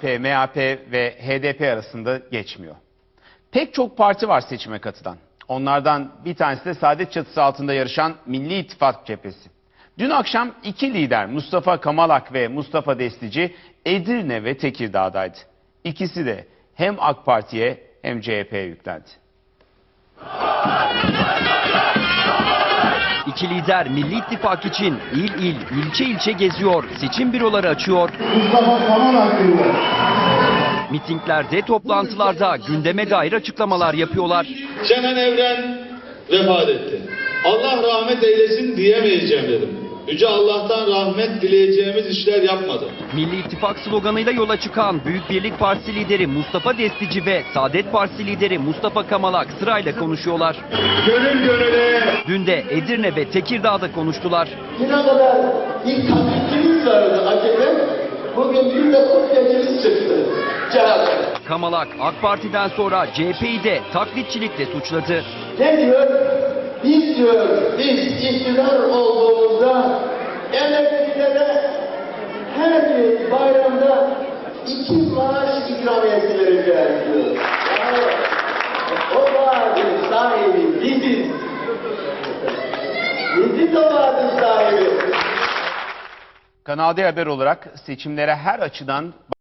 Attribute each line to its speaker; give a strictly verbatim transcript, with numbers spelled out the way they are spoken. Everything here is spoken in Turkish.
Speaker 1: P, M H P ve H D P arasında geçmiyor. Pek çok parti var seçime katılan. Onlardan bir tanesi de Saadet çatısı altında yarışan Milli İttifak cephesi. Dün akşam iki lider Mustafa Kamalak ve Mustafa Destici Edirne ve Tekirdağ'daydı. İkisi de hem AK Parti'ye hem C H P'ye yüklendi.
Speaker 2: İki lider Milli İttifak için il il, ilçe ilçe geziyor, seçim büroları açıyor.
Speaker 3: Mustafa Kamalak diyor.
Speaker 2: Mitinglerde, toplantılarda gündeme dair açıklamalar yapıyorlar.
Speaker 4: Şener Evren vefat etti. Allah rahmet eylesin diyemeyeceğim dedim. Yüce Allah'tan rahmet dileyeceğimiz işler yapmadı.
Speaker 2: Milli İttifak sloganıyla yola çıkan Büyük Birlik Partisi lideri Mustafa Destici ve Saadet Partisi lideri Mustafa Kamalak sırayla konuşuyorlar.
Speaker 3: Gönül gönüle.
Speaker 2: Dün de Edirne ve Tekirdağ'da konuştular.
Speaker 5: Yine kadar ilk taklitçimiz vardı A K P. Bugün bir de kopyacımız çıktı. C H P.
Speaker 2: Kamalak AK Parti'den sonra C H P'yi de taklitçilikle suçladı.
Speaker 5: Ne diyor? Biz diyor, biz iktidar olduğumuzda emeklilere her bir bayramda iki maaş ikramiyesi vereceğiz diyor. Yani o vaadin sahibi biziz. Biziz o vaadin sahibi.
Speaker 1: Kanal D Haber olarak seçimlere her açıdan